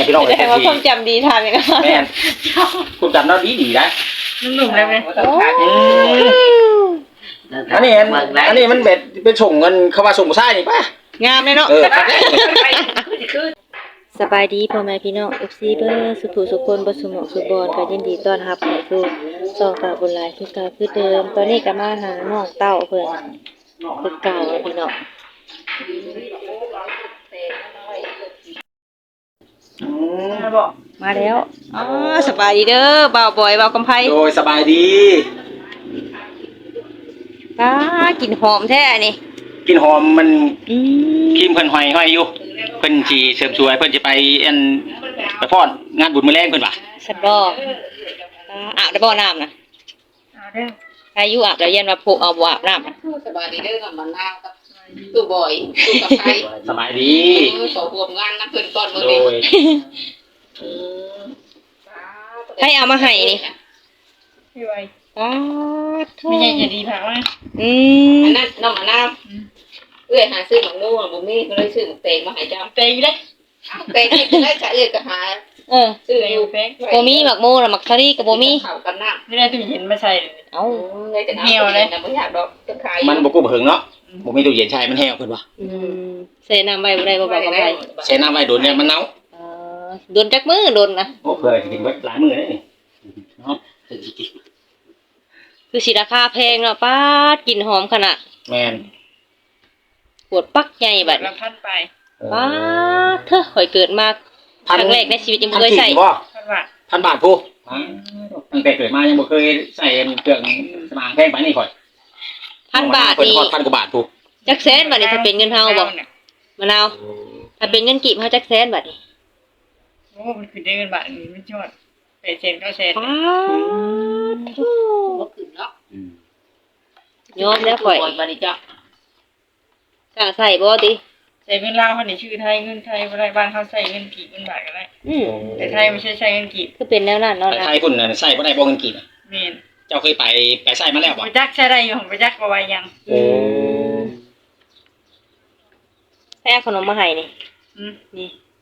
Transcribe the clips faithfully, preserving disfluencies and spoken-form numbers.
พี่น้องเอ้ยแต่ว่าความจำดีทำอย่างนั้นแม่นความจำเราดีดีนะหนุ่มๆได้ไหมอันนี้อันนี้มันแบบเป็นส่งเงินเข้ามาส่งผู้ชายนี่ป่ะงามเลยเนาะเออสบายดีพ่อแม่พี่น้อง เอฟ ซี เบอร์สุภูสุคนบสุหมองสุบอนก็ยินดีต้อนรับเข้าสู่ช่องตาบุญหลายคือเก่าคือเดิมตอนนี้ก็มาหาน้องเต้าเพิ่นคือเก่าพี่น้องมาแล้วอ๋อสบายดีเด้อบ่าวบอยบ่าวกำไพโดยสบายดีป้ากินหอมแท้นี่กินหอมมันอืมครีมเพิ่นห้อยห้อยอยู่เพิ่นสิเสริมสวยเพิ่นสิไปอันไปฟ้อนงานบุญมื้อแรงเพิ่นว่าสันบ่อาบได้บ่น้ำนะเอาเด้ออายุอาบแล้วยันว่าโผเอาบ่อาบน้ำนะสบายดีเด้อกับมันนาวกับตู้บ่อยตู้กับไผสบายดีเออขอรวมงานนะเพิ่นก่อนมื้อโดนี้ยให้เอามาให้นี่พี่ไว้ป้าโทไม่ใช่จะดีผักมั้ยอืมอันนั้นน้องมะนาวเอื้อยหาซื้อหมักนู่นบ่มีก็เลยซื้อหมักเตงมาให้เจ้าเตยได้เตงที่ได้จะเอื้อยก็หาเออซื้อเตยอยู่แป้งบ่มีหมักโมน่ะหมักทะลีก็บ่มีเข้ากันน้ำไม่ได้ตู้เย็นมาใส่เอ้าไงแต่น้ำเหี่ยวเลยนะบ่อยากดอกจะขายมันบ่กู้บ่ถึงเนาะบ่มีตู้เย็นใช้มันแห้วเพิ่นว่าอืมใส่น้ำไว้บ่ได้บ่บอกกับไว้ใช้น้ำไว้โดนเนี่ยมันเน่าเออโดนจักมือโดนนะโอ้เพื่อสิกินไว้หลายมื้อเลยนี่เนาะคือสิราคาแพงเนาะป้าดกลิ่นหอมขนาดแม่นปวดปักใหญ่บัดละพันไปป้าดเถอะข่อยเกิดมาครั้งแรกในชีวิตยังบ่เคยใส่บ่พันบาทพันบาทผู้ตั้งแต่เกิดมายังบ่เคยใส่เครื่องสมางแพงปานนี้ข่อยพันบาทเพิ่นนี่ฮอดพันกว่าบาทผู้จักแสนบัดนี้ถ้าเป็นเงินเฮาบ่มะนาวถ้าเป็นเงินกีบเฮาจักแสนบัดนี้โอ้มันคือได้เงินบาทนี่ไม่ชอดเปเซนก็เซนป้าดบ่ขึ้นเนาะยอมแล้วข่อยบัดนี้จ้ะกล้าใส่บ่ติใส่เงินลาวเขานี่ชื่อไทยเงินไทยบ่ได้บ้านเขาใส่เงินกีบเงินบาทก็ได้อืมแต่ไทยไม่ใช่ใช้เงินกีบคือเป็นแนวนั้นเนาะแต่นะไทยพุ่นน่ะใส่บ่ได้บ่เงินกีบแม่นเจ้าเคยไปไปใส่มาแล้วบ่บ่จักใช้ได้อยู่ของบ่จักบ่ว่ายังโอ้ให้เอาขนมมาให้นี่อืมนี่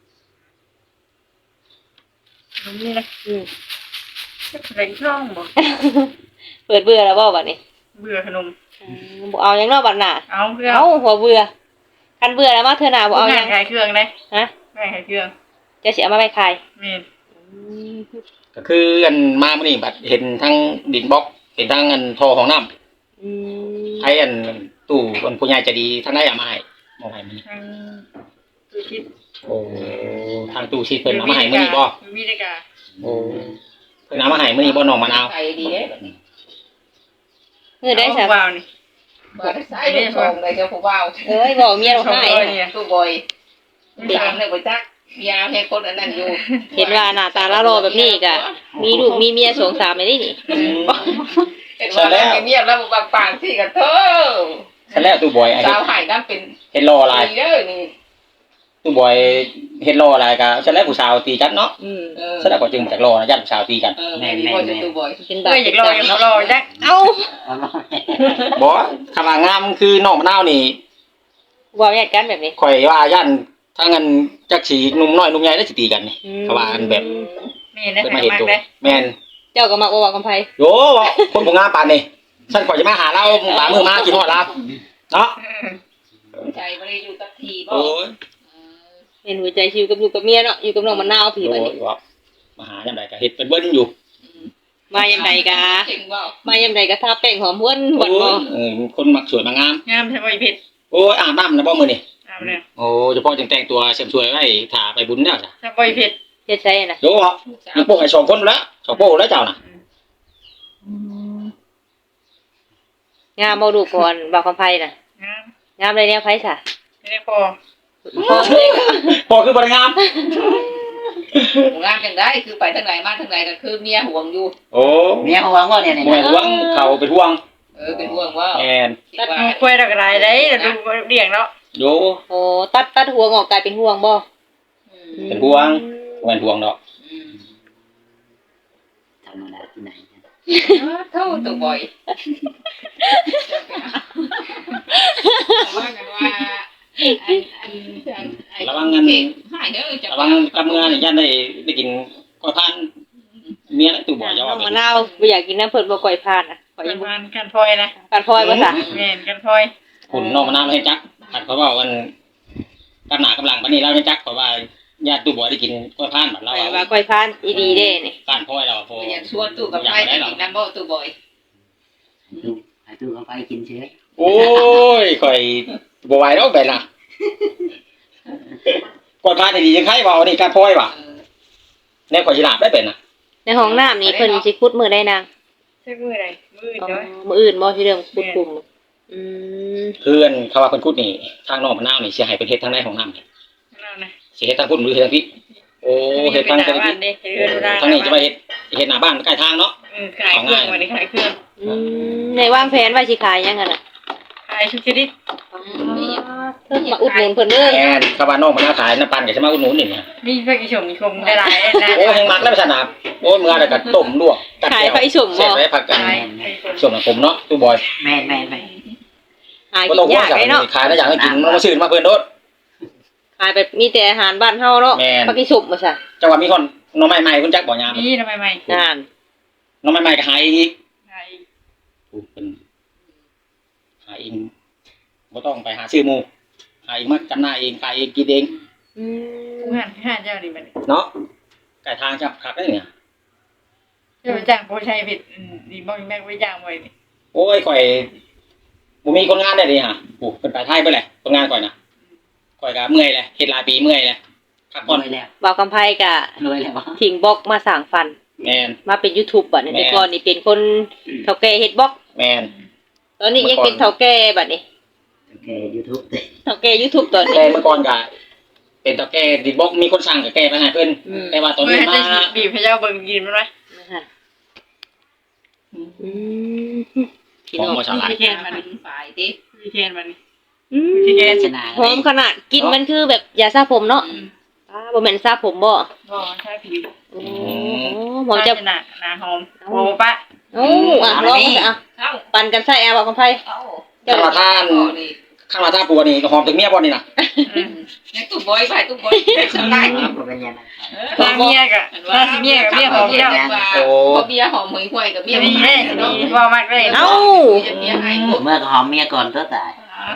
นี่นะอืมแรงช่องบ่เปิดเบื่อแล้วบ่บัดนี้เบื่อขนมอืมบ่เอาหยังเนาะบัดน่ะเอาเพื่อเอ้าหัวเบื่อคันเบื่อแล้วมาเทื่อหน้าบ่เอาหยังขายเครื่องได้ฮะขายเครื่องจะสิเอามาไว้ขายแม่นอืมก็คืออันมามื้อนี้บัดเห็นทั้งดินบล็อกเห็นทั้งอันท่อของน้ำอืมไทยอันตู้อันผู้ใหญ่ใจะดีทางได้เอามาให้มองให้มื้อนี้ทางตู้คิดโอ้ทางตู้ชีเพิ่นเอามาให้มื้อนี้บ่มีได้กะโอ้เพิ่นเอามาให้มื้อนี้บ่น้องมะนาวใส่ดีเด้มื้อได้ซะว้าวนี่บ่ได้ใส่ลูกชงได้เจ้าผู้บ่าวเอ้ยบอกเมียเราให้ตู้บ่อยถามเลยบ่จักยาให้คนอันนั้นอยู่เห็นว่าหน้าตาละรอแบบนี้ก็มีลูกมีเมียสองสามไปนี่นี่เห็นว่าแล้วเงียบแล้วบางปางที่กันเถอะฉันแล้วตู้บอยไอ้สาวหายน้ำเป็นเฮ็ดรออะไรดีเด้อนี่ตู้บอยเฮ็ดรออะไรก็ฉันแล้วผู้สาวตีกันเนาะอืมเออฉันแล้วก็จึงจากรอนะญาติผู้สาวตีกันเออแม่นบ่จะตู้บ่อยเป็นบาเอ้ปยอยากรออยากรอจักเอ้าบ่คำว่างามคือน้องมะนาวนี่บอกญาติกันแบบนี้ข่อยว่าย่านถ้างั้นจักสิหนุ่มน้อยหนุ่มใหญ่ได้สิตีกันนี่เขาว่ากันแบบแม่นได้เพิ่นมามาเห็นมากตัวได้แม่นเจ้าก็มักบ่บอกกำไผโยคนบ่งามปานนี่ฉันข่อยจะมาหาเราหลายมื้อมากินฮอดเราเนาะใจบ่ได้อยู่กับทีบ่โอ้ยเห็นหัวใจชิวกับอยู่กับเมียเนาะอยู่กับน้องมะนาวพี่บัดนี้โอ้ยมาหายามใดก็เฮ็ดเป็นเบิ่นอยู่มายามใดก็จริงบ่มายามใดก็ทาแป้งหอมหวนหวานบ่เออคนมักสวยมางามงามใช่บ่อีเพชรโอ้ยอาบน้ำนะบ่มื้อนี่อาบแล้วโอ้เฉพาะจังแต่งตัวเสริมสวยไว้ถ่าไปบุญแล้วจ้ะใช่บ่อีเพชรเฮ็ดใช่น่ะโยเหรอมีโป้ให้สองคนแล้วสองโป้แล้วเจ้าน่ะงามบ่ดูก่อนบอกกำไผน่ะงามงามเลยแนวไผซะไม่ได้พอพอเลยก็โป้คือบ่ได้งามงานจังได้คือไปทางไหนมาทางไหนก็คือเมียห่วงอยู่โอ้เมียเขาหวังว่าเนี่ยเนี่ยบ่ให้ห่วงเขาเป็นห่วงเออเป็นห่วงว่าแม่นตัดมือคุยดอกกระไรได้ดูเลี้ยงแล้วโยโอ้ตัดตัดหัวงอกกลายเป็นห่วงบ่เป็นห่วงบ่แม่นห่วงดอกธรรมดาที่ไหนเท่าตู้บ่อยว่ากันว่าระวังเงินหายเด้อจะระวังกำเงินยันได้ได้กินก้อยพันเมียแล้วตู่บ่อย่าน้ว่าองมะนาวบ่อยากกินน้ำเพิ่นบ่ก่อยพานอ่ะข่อยปยัระงบ่มาณกันพลอยนะการพลอยบ่ซะแม่นกันพลอยคุณน้องมะนาวให้จักขัดเขาว่าวันกำหนากำลังปานนี้เราให้จักเพราะว่าญาติตู่บ่ได้กินก้อยพันบัดเราว่าก่อยพานอีดีเด้นี่การพ่อยเราพออยากชวนตู้กับไฟกินน้ำบ่ตู้บ่อยตู้ให้ตู้เขาไปกินเชื้อโอ้ยข่อยบ่ไหวแล้วไปน่ะก้อยพันนี่ดีจังไผว่าอันนี้การพ่อยว่ะแน่ข่อยสิลาบได้เป็นน่ะในห้องน้ำนี่เพิ่นสิขุดมื้อใดนางใช่มือใดมืออ๋อเด้อมื้ออื่นบ่สิเรื่องขุดกลุ่มอืมเพื่อนเขาว่าเพิ่นพูดนี่ทางน้องมะนาวนี่สิให้ไปเฮ็ดทางในของน้ำนี่นั่นนะสิเฮ็ดทางพุ่นหรือเฮ็ดทางพี่โอ้เฮ็ดทางทาทาง งบ้าพี่นเด้เฮ็ดเรือนทางนี้จะไปเฮ็ดเฮ็ดหน้าบ้านใกล้ทางเนาะอือขายเครื่องวันนี้ขายเครื่องอืมในวางแผนว่าสิขายยังกันน่ะขายชุดชนิดเพิ่นมาอุดหนุนเพิ่นเด้อแอนเขาว่าน้องมะนาวขายน้ำปั่นก็สิมาอุดหนุนนี่เนี่ยมีเพื่อนกิชมชมได้หลายนะโอ้แฮงมักแล้วไปสนามโอ้ยมื้อแล้วก็ต้มลวกกัดขายแก้วไฟสุ่มเสร็บ่จไว้พักกันขายส่วนของผมเนาะตู้บอยแม่นแม่นแม่นหาบ่กิต้องนห่วงยากจ้ะเลยเนาะขายได้อย่างให้กินมันบ่ซื้อมาเพิ่นโดดขายแบบมีแต่อาหารบ้านเฮาเนาะแม่นผักอีสุ่มบ่ซะจังหวะมีคนหน้องใหม่ๆเพิ่นจักบ่ยามนี่ทำไมไม่นานหน้องใหม่ๆก็หายอีกขายผู้เพิ่นหาเองบ่ต้องไปหาซื้อหมู่หาเองมาจำหน่ายเองขายเองกินเองอืผู้มหันห้าเจ้านี่มันเนาะไก่ทางจับคักได้เนี่ยเจ้าจ้างผู้ชายผิดดีบ่แม่ไว้จ้างไว้นี่โอ้ยข่อยบ่มีคนงานได้ดิฮะโอ้เพิ่นไปไทยเบิดแหละคนงานข่อยน่ะข่อยก็เมื่อยแหละเฮ็ดหลายปีเมื่อยแหละพักรผ่อนวยแล้วบ่าวกำไพก็รวยแล้วทิ้งบล็อกมาสร้างฟันแม่นมาเป็น YouTube บัดนี้แม่แต่ก่อนนี่เป็นคนเฒ่าแก่เฮ็ดบล็อกแม่นตอนนี้ยังเป็นเฒ่าแก่บัดนี้โอเค YouTube เฒ่าแก่ YouTube ตอนแต่นี้เมื่อก่อนก็เป็นตาแก่ดิบอกมีคนสั่งก็แก้ไปให้เพิ่นอืมแต่ว่าตอนเพื่อนี้ให้มาเจ้าบีบให้เจ้าเบิ่งกินมันไหมนะคะอืมพี่ของน้องบ่ฉลาดพี่แคนมันฝ่ายติพี่แคนมันอืมพี่แคนชนะหอมขนาดกินมันคือแบบยาสระผมเนาะอ่าบ่แม่นสระผมบ่บ่ใช่ผิวโอ้หมอจะหนาหนาหอมโอ้ปะโอ้อ่ะลองอ่ะเข้าปั่นกันใส่แอร์บ่กำไพเข้าข้างมาท่านข้างมาท่าปัวนี่ก็หอมถึงเมียบ่นี่น่ะในตู้บ่อยไปตู้บ่อยสบายครับเป็นยังไงตาเมียกะตาสิเมียกับเมียหอมเจ้าโอ้เมียหอมหวยๆกับเมียดีแน่ดีว่ามากเลยเอ้าเมียให้เมื่อก็หอมเมียก่อนก็ตาย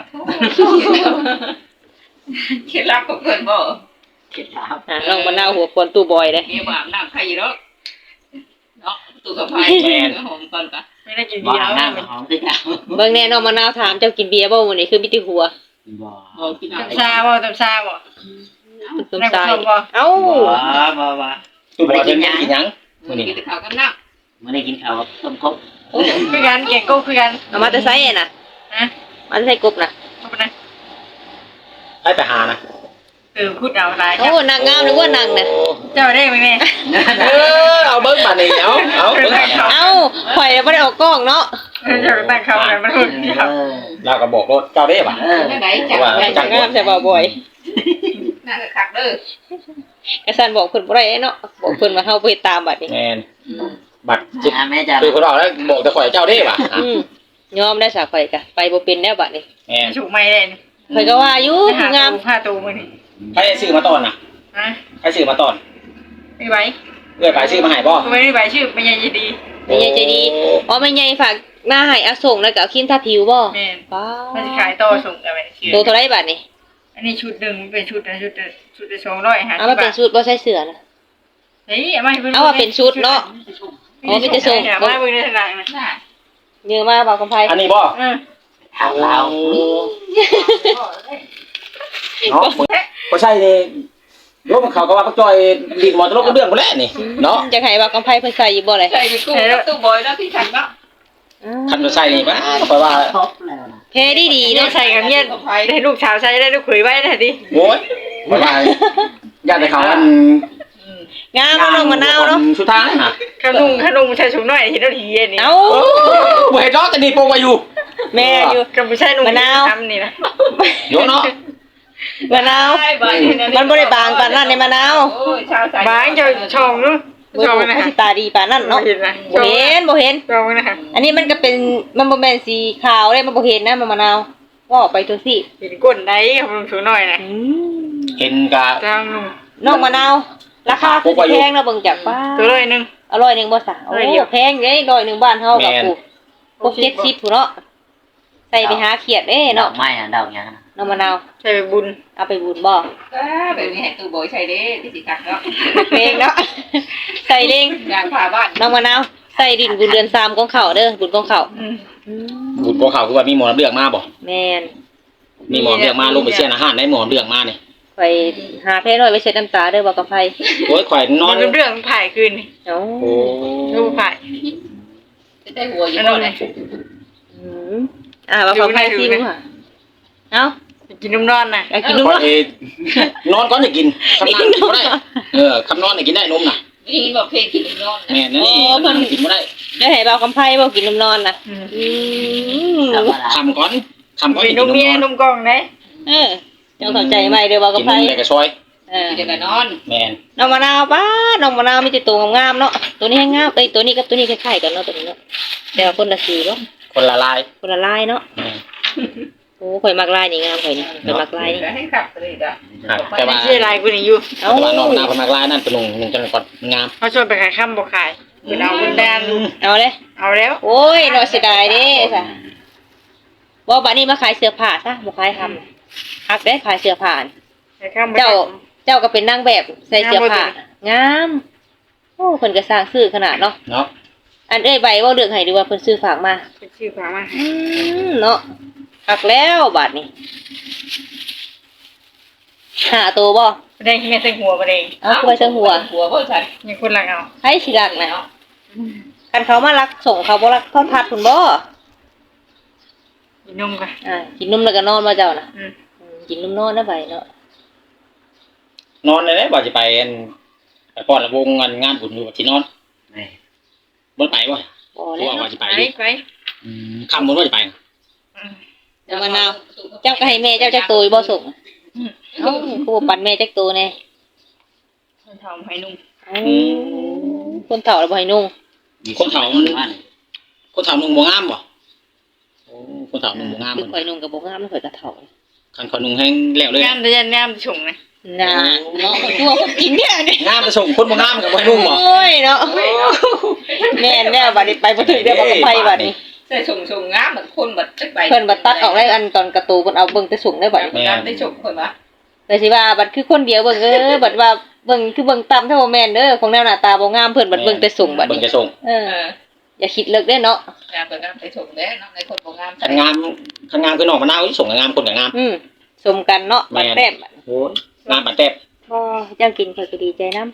เคล็ดลับของเพิ่นบ่เคล็ดลับอ่ะลองมะนาวหัวควนตู้บอยเลยเมียบาปน้ำใครอยู่เนาะเนาะตู้กับไผหอมก่อนกะไม่ได้กินบ่เบียอาร์บแล้วน้ำกับหอมคือเก่าเบิ่งแน่น้องมะนาวถามเจ้ากินเบียร์บ่มื้อนี้คือมีแต่หัวบ่บ่กินตำซาบ่ตำซาบ่ตุ้มๆใส่เอ้าบ่บ่บ่ตู้บอยเพิ่นกินหยังมื้อนี้กินข้าวกับน้ำเมื่อได้กินข้าวต้มกบคือกันเก่งกูคือกันเอามาแต่ไสน่ะนะมาแต่ไสกบน่ะเข้าไปนะให้ไปหานะเออพูดเอาหลายโอ้นางงามหรือว่านางน่ะเจ้าได้ไหมแม่เออเอาเบิ่งบัดนี้เอาเอาเบิ่งบัดนี้เอ้าข่อยบ่ได้ออกกล้องเนาะเจ้าตั้งเขาเลยมันพูดเอเดียวอเราก็บอกรถเจ้าเด้บ่ะเออไหนจังนางงามใส่บ่บ่อยน่าจะคักเด้อกระสันบอกเพิ่นบ่ได้เนาะบอกเพิ่นว่าเฮาบ่เฮ็ดตามบัดนี้แม่นบัดจิตอ่าแม่จ้าคือเพิ่นบอกแล้วบอกแต่ข่อยเจ้าเด้บ่ะอ่ะอืมยอมได้ซะข่อยก็ไปบ่เป็นแล้วบัดนี้แม่นฉุกไม่ได้ข่อยก็ว่าอยู่หางามผ้าตูมือนี่ใครซื้อมาตอนน่ะฮะใครซื้อมาตอนไม่ไหวเอื้อยไปซื้อมาให้บ่ไม่ได้ไหวชื่อไม่ยังดีแม่ใหญ่ใจดีอ๋อแม่ใหญ่ฝากมาให้เอาส่งแล้วก็เอาครีมทาผิวบ่แม่ป้ามันจะขายต่อส่งกันไปเชื่อโตเท่าไหร่บัดนี้อันนี้ชุดหนึ่งเป็นชุดนะชุดชุดละสองร้อยห้าเอาสิมาบบาเป็นทชุดบ่ใส่เสื้อนะเฮ้ยเอามาให้เพิ่นเอามาเป็นชุดเนาะ อ๋อมีแต่ส่งเอามาให้เพิ่นในทางนะน่ะเนื้อมาบอกกำไผอันนี้บ่เออถามเราเนาะบ่ใช่นี่โยมเขาก็ว่าปักจอยดินหมอตลกเรื่องบ่แล้วนี่เนาะจะให้บอกกำไผเพิ่นใส่อยู่บ่เลยใส่ไปกู้กับตู้บอยแล้วพี่ขันเนาะคันบ่ใช่นี่บ่ข่อยว่าครบแล้วนะเพดีดีได้เนาะใส่กับเมียได้ลูกสาวใส่ได้ลูกเขยไว้นะดิโอ้ยข่อยว่าญาติเขาอันงามเนาะน้องมะนาวเนาะชุดทางน่ะขนมขนมใส่ถุงน้อยเห็นแล้วทีเย็นนี่เอ้าบ่เฮ็ดดอกแต่นี่โปงไว้อยู่แม่อยู่กับผู้ชายนุ่งมะนาวทำนี่นะโยเนาะมะนาวมันบ่ได้บางปานนั้นในมะนาวโอ้ยชาวสายบางเจ้าชองนู้นบ่ชองบ่นะสิตาดีปานนั้นเนาะเห็นนะบ่เห็นบ่เห็นชองนะฮะอันนี้มันก็เป็นมันบ่แม่นสีขาวเลยมันบ่เห็นนะมันมะนาวว่าไปตัวสิเห็นก้นได้ครับลุงสูงหน่อยนะอืมเห็นกะทางลุงน้องมะนาวราคาคือสิแพงนะเบิ่งจากป้าตัวร้อยหนึงอร่อยหนึงบ่ซะโอ้ร้อยเดียวแพงเด้ร้อยหนึงบ้านเฮากับกูพวกเจ็ดสิบพุ่นเนาะใส่ไปหาเขียดเด้ดอเนาะกไม้อะดอกหยังนะน้องมะนาวใช่ไปบุญเอาไปบุญบ่อ่าแบบนี้ให้ตู้โบยใช้เด้ที่สิกักเนาะเพลงเนาะ ใส่เลงยางพาบ้านน้องมะนาวใส่ดินบุญเดือนสามของเขาเด้อบุญของเขาอืมอืมบุญบ่เขาคือว่ามีหมอน้ำเลือกมาบ่แม่นมีหมอน้ำเลือกมาลงไปเสียอาหารได้หมอน้ำเลือกมานี่ไปหาเพลน้อยไปเช็ดน้ำตาเด้อบ่กับไผโอ้ยข่อยนนออน นเรื่องถ่ายคืนนี่เอ้าโอ้รูปถ่ายจะได้หัวอยู่บ่เลยอืมอ่าว่ากับไผซิมค่ะเอ้ากินน้ำนอนน่ะอยากกินนมข่อยเนาะเอ้ยนอนก่อนจะกินคำนานกินบ่ได้เออคำนอนเนี่ยกินได้นมน่ะนี่บอกเพลงกินนอนแม่นั่นนี่คำนานกินบ่ได้ได้ให้เบากับไผบ่กินนมนอนน่ะอืมอืมธรรมดาคำก่อนคำก่อนมีจะนกินนมมเมียนอนนมกล่องได้เออเจ้าเข้าใจไหมเด้อเบากับกินไผนมแต่กระซอยเออกินแต่นอนแม่นน้องมะนาวป้าน้องมะนาวมีแต่ตัวงามๆเนาะตัวนี้ให้งามเอ้ยตัวนี้กับตัวนี้คล้ายๆกันเนาะตัวนี้เนาะแต่ว่าคนละสีเนาะคนละลายคนละลายเนาะแม่นโอ้ข่อยมักลายนี่งามข่อยนี่ข่อยมักลายนี่ให้ขับเลยจ้ะครับแต่ว่าไม่ใช่ลายกูนี่อยู่เอ้าแต่ว่านอกหน้าคนมากลายนั่นเป็นนุ่งนุ่งจังก่อนงามเขาชวนไปขายข้ามบ่ขายคุณเอาคุณแดนเอาเลยเอาแล้วโอ้ยเนาะเสียดายเด้ซะบ่บัดนี้มาขายเสื้อผ้าซะบ่ขายทำฮักได้ขายเสื้อผ้าขายข้ามบ่เจ้าเจ้าก็เป็นนางแบบใส่เสื้อผ้างามโอ้เพิ่นก็สร้างซื้อขนาดเนาะเนาะอันเอ้ยใบเว้าเรื่องให้ดีว่าเพิ่นซื้อฝากมาเป็นชื่อฝามาให้อืมเนาะฮักแล้วบัดนี้หาตัวบ่แดงแม่ใส่หัวบ่แดงเอาคือไปเชิงหัวหัวเพิ่นใส่ยังคนละเอาให้สิรักนะคันเขามารักส่งเขาบ่รักทอดทัดคุณบ่กินนมกันอ่ากินนมแล้วก็นอนมาเจ้าน่ะอืมอืมกินนมนอนนะไปเนาะนอนเลยนะบ่จะไปอันไปป้อนระวงงานงานบุญอยู่ที่นอนแม่บ่ไปบ่บ่เพแล้วราะว่าว่าจะไปไปอยู่ไปอืมค่ำบ่ว่าจะไปนะอืมเอามะนาวเจ้าก็ให้แม่เจ้าจักตัวบ่ส่งเอ้าคือบ่ปันแม่จักตัวแน่คนทำให้นุ่มเอ้าคนเฒ่าแล้วบ่ให้นุ่งคนเฒ่ามันบ้านคนเฒ่านุ่งบ่งามบ่โอ้คนเฒ่านุ่งบ่งามคือเหมือนข่อยนุ่งก็บ่งามข่อยก็เฒ่าคันข่อยนุ่งแห้งแล้วเลยงามแต่ยันงามชงนะน่ะเนาะตัวคนกินเนี่ยนี่งามจะส่งคนบ่งามก็บ่ให้นุ่งบ่โอ้ยเนาะแม่นแล้วบัดนี้ไปบ่ถึงเด้อบ่กับไผบัดนี้ใส่ชงชงงามเหมือนคนบัดจักใบเพิ่นบัดตัดออกได้อันตอนการะตูนเพิ่นเอาเบิ่งแต่ส่งได้บัดนี้งามได้ชงคนวะแต่สิว่าบัดคือคนเดียวเบิ่งเออบัดว่าเบิ่งคือเบิ่งต่ำเท่าบ่แม่นเด้อของแนวหน้าตาบ่งามเพิ่นบัดเบิ่งแต่ส่งบัดเบิ่งนี้จะส่งเออเอออย่าคิดเลิกเด้อเนาะงามก็งามได้ชงแล้วเนาะในคนบ่งามคันงามคันงามคือน้องมะนาวที่ส่งก็งามคนก็งามอืมสมกันเนาะบัดแต้มโอ้ยงามปานแต้มบ่เจ้ากินข่อยก็ดีใจนำ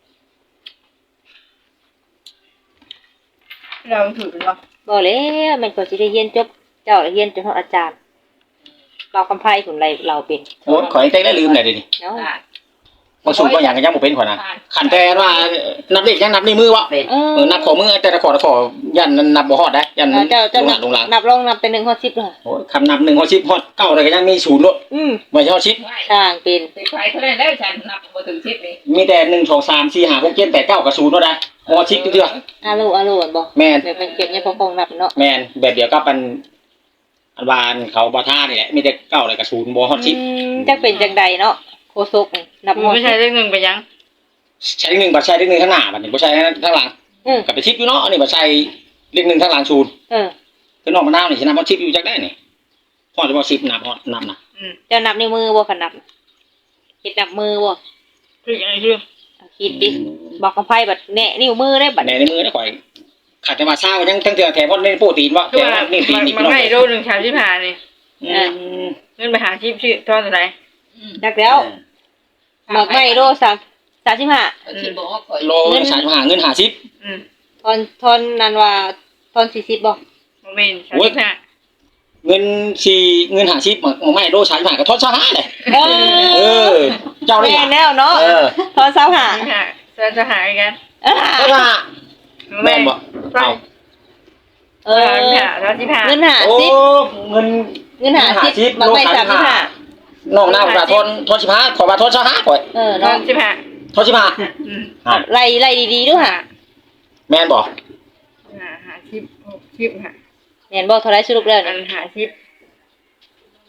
เราถือเป็นว่าบ่แล้วแม่นข่อยสิได้เรียนจบเจ้าได้เรียนจนฮอดอาจารย์เรากำไพผุนไรเราเป็นโอ้ยข่อยเต้ได้ลืมได้เดี๋ยวนี้เนาะบ่สูงก็หยังก็ยังบ่เป็นข่อยนะคันแต่ว่านับเลขยังนับในมือวะเป็นเออเออนับขอมือแต่ละขอละขอยันนับบ่ฮอดได้ยันเออเจ้าเจ้าลงหนัลับงลงหลังนับลองนับแต่หนึ่งฮอดสิบเลยโอ้ยคำนับหนึ่งฮอดสิบฮอดเก้าอะไรก็ยังมีศูนย์โลดอืมไว้ฮอดสิบช่างเป็นไปใครเท่านั้นได้ฉันนับบ่ถึงสิบนี่มีแต่หนึ่งสองสามสี่ห้าหกเจ็ดแปดเก้ากับศูนย์โลดได้ฮอดสิบเทื่ออาโลอาโลอันบ่แม่นแบบเป็นเก็บเนี่ยพอคงนับเนาะแม่นแบบเดียวกับอันอันวานเขาบ่ท่านี่แหละมีแต่เก้าอะไรกับศูนย์บ่ฮอดสิบอืมจักเป็นจังใดเนาะโคศกนี่นับหมดไม่ใช่เรื่องหนึ่งไปยังใช้เลขหนึ่งบัดใช้เลขหนึ่งข้างหน้าบัดนี้บ่ใช้ข้างหลังอืมกับไปชิปอยู่เนาะอันนี้บัดใช้เลขหนึ่งข้างหลังศูนย์เออคือน้องมะนาวนี่สินับฮอดสิบอยู่จักได้นี่ฮอดบ่สิบนับฮอดนับนะอืมเจ้านับในมือบ่คันนับเฮ็ดนับมือบ่คืออะไรคือเอาคิดดิบอกกำไพบัดแหนะนิ้วมือได้บัดในในมือได้ข่อยขาดแต่ว่าเช้ายังทั้งเทื่อแถมฮอดในโปรตีนวะคือแต่ว่านี่ตีนมันนี่มันพี่น้องให้โลหนึ่งชามที่ผ่านนี่อืมเงินไปหาชิปชื่อทอดอะไรจักแล้วหมักไม่โลสามสามสิบห้าที่บอกว่าข่อยโลสามสิบห้าเงินห้าสิบอืมทอนทอนนั่นว่าทอนสี่สิบบ่โมเมนต์ชามที่ผ่านเงินสี่เงินห้าสิบหมักไม่โลสามสิบห้าก็ทอดซะห้าเลยเอเอออ เจ้าได้แม่หยังแล้วเนาะเออทอนสามห้าที่ผ่านจะจะหายกันเออเจ้าว่าแม่นบ่ใช่เอาเอเอออชามที่ผ่านเงินหาโอ้สิบเงินเงินหาสิบหมักไม่สามสิบห้าน้องหน้าผมว่าทอนทอนสิบห้าขอว่าทอนซะห้าข่อยเออทอเนาะดที่ผ่านทอนสิบห้าอืมอ่ะไล่ไล่ดีๆด้วยค่ะแม่นบ่หาหาชิปหกชิปค่ะแม่นบ่เท่าไรสรุปแล้วอันี่นหาชิป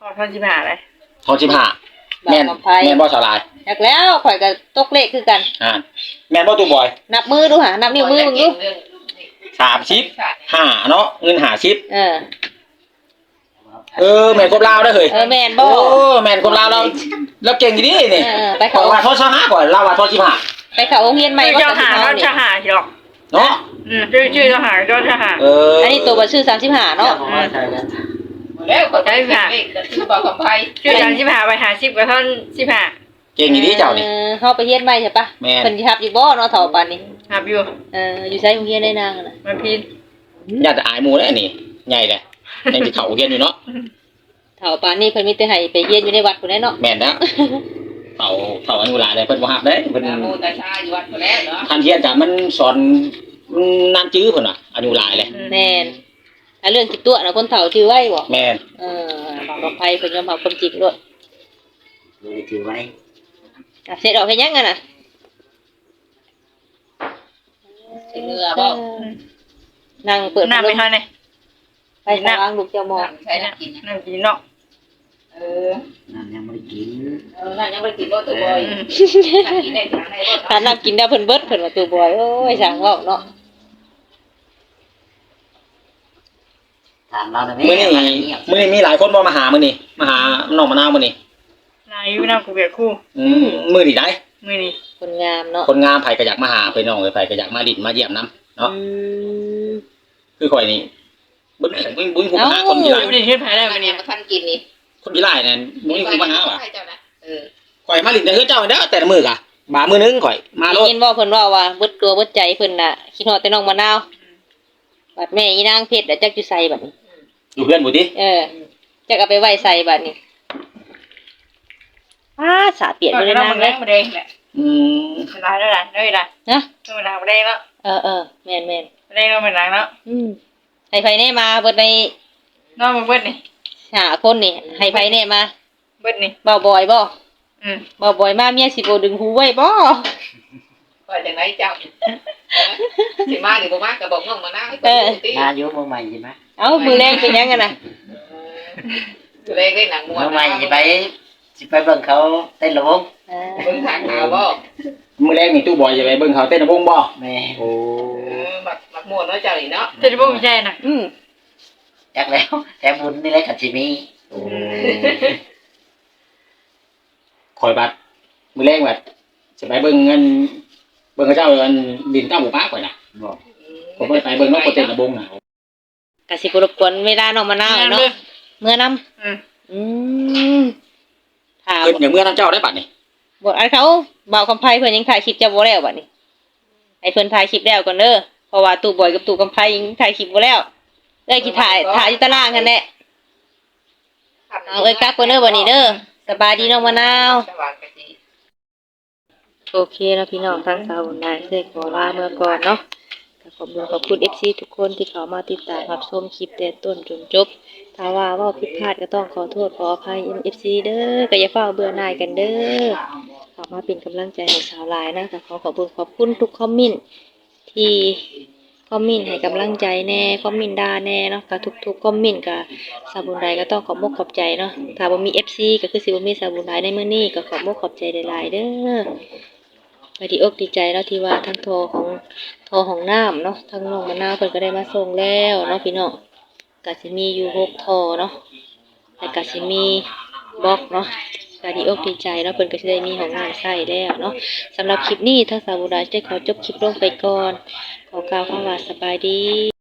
อทอนสิบห้าเลยทองสิบห้าบ่าแม่วน คำไพ่แม่นบ่สาวลายอยากแล้วข่อยก็ตกเลขคือกันอ่าแม่นบ่ตู้บอยนับมือดูหานับนิ้วมือมึงดูสามสิบห้าเนาะเงินห้าสิบเออเออแม่นครบลาวได้อเฮ้ยเออแม่นบ่โอ้แม่นครบลาวเราเราเก่งอยู่นี่นี่เออไปขอเขาว่าทอดสิบห้าก่อนเราว่าทอดสิบห้าไปเข้าโรงเรียนใหม่ชื่อบ่เจ้าหาตัดก็สินเจ้าเอาหาหรอกเนาะอืมชื่อชื่อเจ้าหาเจ้าเจ้าหาเอออัอันนี้ตัวบ่ชื่อสามสิบห้าเนาะผมว่าใช่แล้วแล้วคนได้ค่ะคือบอกคำไพ่ชื่อสามสิบห้าไปหาสิบกับท่อนสิบห้าเก่งอยู่นี่เจ้านี่ออเฮาไปเรียนใหม่ใช่ปะแม่นเพิ่นสิรับอยู่บ่เนาะเฒ่าปานนี้หับอยู่เอออยู่ไสโรงเรียนได้นางน่ะมันพินญาติอายหมู่แล้วนี่ใหญ่เลยยังสิเข้าเรียนอยู่เนาะเฒ่าปานนี้เพิ่นมีแต่ให้ไปเรียนอยู่ในวัดพุ่นแหละเนาะแม่นนะเต่าเต่าอนุลาได้เพิ่นบ่ฮับเด้เพิ่นโมตาชาอยู่วัดก็แล้วเนาะทันเทียนจ้ะมันสอนมันนานจื้อเพิ่นน่ะอนุลาเลยแม่นถ้าเรื่องคิดตัวน่ะคนเฒ่าชื่อไว้บ่แม่นเออบางกับไผเพิ่นยอมรับความจริงโลดเลยถือไว้อ่ะเสร็จออกเฮ็ดหยังกันน่ะเหงื่อบ่นั่งเปิดน้ำพัไม่ดลทันมเลยไปสว่างลูกเจ้ามองใช้น้ำกินน้ำกินเนาะเออนั่นยังไม่ได้กินเออนั่นยังไม่กินบ่ตัวบ่อยอืมกินได้ทางไหนบ่ถ้าน้ำกินได้เพิ่นเบิดเพิ่นว่าตัวบอยโอ้ยสั่งเว้าเนาะถามเราหน่อยไหมมื้อนี้ว่าเงียบมื้อนี้มีหลายคนบ่มาหามื้อนี้มาหาน้องมะนาวมื้อนี้นายอยู่น้ำกูเบียดคู่อืมมื้อนี้ได้มือนี้คนงามเนาะคนงามไผก็อยากมาหาเพิ่นน้องเอ้ยไผก็อยากมาดินมาเยี่ยมนํเนาะอืมคือข่อยนี่บ่มีบ่มีบ่มีผู้มาหาคนที่หลายไม่ได้เฮ็ดไผได้มัมืนอนี่นี้มาทันกินนี่คนที่หลายนั่นบ่มีผู้มาหาว่ะเจ้านะเออข่อยมาดินแต่เฮือเจ้าเด้อแต่ละมื้อกะบามื้อนึงข่อยมาโลได้ดยินว่าเพิ่นว่าว่าเบิดตัวเบิดใจเพิ่นน่ะคิดฮอดแต่น้องมะนาวบัดแม่อีนางเพชรน่ะจักอยู่ไสบัดนี้อยู่เพื่อนบ่ติเออจักเอาไปไว้ใส่บัดนี้อ้าสาเปียกก็อยู่ในน้ำนามังนเลแรยงมาแดงแหละอืมเวลาแล้วล่ะได้ล่ะนะเวลามาแดงแล้วเออเออแม่นแม่นแดงแล้วมันหลังแล้วอืมให้ไผแน่มาเบิดในน้องมันเบิดนี่หาคนนี่ให้ไผแน่มาเบิดนี่เบาบ่อยบ่อืมเบาบ่อยมาเมียสิบ่ดึงหูไว้บ่ว่าจังไหนเจ้าสิมาหรือบ่มาก็บอกน้องมานะให้เออติมาอยู่มือใหม่ใช่ไหมเอ้ามือแรงเป็นหยังกันน่ะเล่นเล่นหนังมวมืนอใหม่จะไปจะไปเบิ่งเขาเต้นระวงอ่าเบิ่งทางข่าวบ่มื้อแรกนี่ตู้บอยจะไปเบิ่งเขาเต้นระวงบ่แม่โอ้เออมักมักม่วนเนาะเจ้านี่เนาะจะได้บ่มีใจน่ะอืมจักแล้วแต่บุญนี่แหละกับจิมีข่อยบัดมื้อแรกบัดจะไปเบิ่งเงินเบิ่งเขาเจ้าอันดินเก้าหมู่ป้าข่อยน่ะบอกผมบ่ไปเบิ่งนกเต้นระวงน่ะก็สิบ่รบกวนเวลาน้องมะนาวเนาะเมื่อนํอืมอืมถามเพิ่นอย่างเมื่อนั้นเจ้าได้บัดนี่บ่อันเขาเบาคำไผเพิ่นยังถ่ายคลิปจะบ่แล้วบัดนี้ให้เพิ่นถ่ายคลิปแล้วก่อนเด้อเพราะว่าตู่บอยกับตู่คำไผยังถ่ายคลิปบ่แล้วเลยสิถ่ายถ่ายอยู่ตารางกันแหละเอาเอ้ยกักเพิ่นเด้อบัดนี้เด้อสบายดีน้องมะนาวสว่างกะจิโอเคแล้วพี่น้องทั้งสาวนายได้ขอลาเมื่อก่อนเนาะก็ขอบคุณขอบคุณ เอฟ ซี ทุกคนที่เข้ามาติดตามรับชมคลิปแต่ต้นจนจบถ้าว่าเว่าผิดพลาดก็ต้องขอโทษขออภัย เอฟ ซี เด้อก็อย่าเฝ้าเบื่อหน่ายกันเด้อเข้ามาเป็นกำลังใจให้สาวลายนะก็ขอขอบคุณขอบคุณทุกคอมเมนต์ที่คอมเมนต์ให้กำลังใจแน่คอมเมนต์ด่าแน่เนาะก็ทุกๆคอมเมนต์ก็สาวบุญใดก็ต้องขอบมกขอบใจเนาะถ้าบ่มี เอฟ ซี ก็คือสิบ่มีสาวบุญใดในมื้อนี้ก็ขอบมกขอบใจหลายๆเด้อ ก็ดีอกดีใจเนาะที่ว่าทั้งโทรของโทรของน้ำเนาะทั้งน้องมะนาวเพิ่นก็ได้มาส่งแล้วเนาะพี่น้องก็สิมีอยู่หกโทรเนาะแล้วก็สิมีบล็อกเนาะก็ดีอกดีใจเนาะเพิ่นก็สิได้มีของงานใช้แล้วเนาะสำหรับคลิปนี้ทางสาวบุญราจะได้ขอจบคลิปลงไปก่อนขอกล่าวคำว่าสบายดี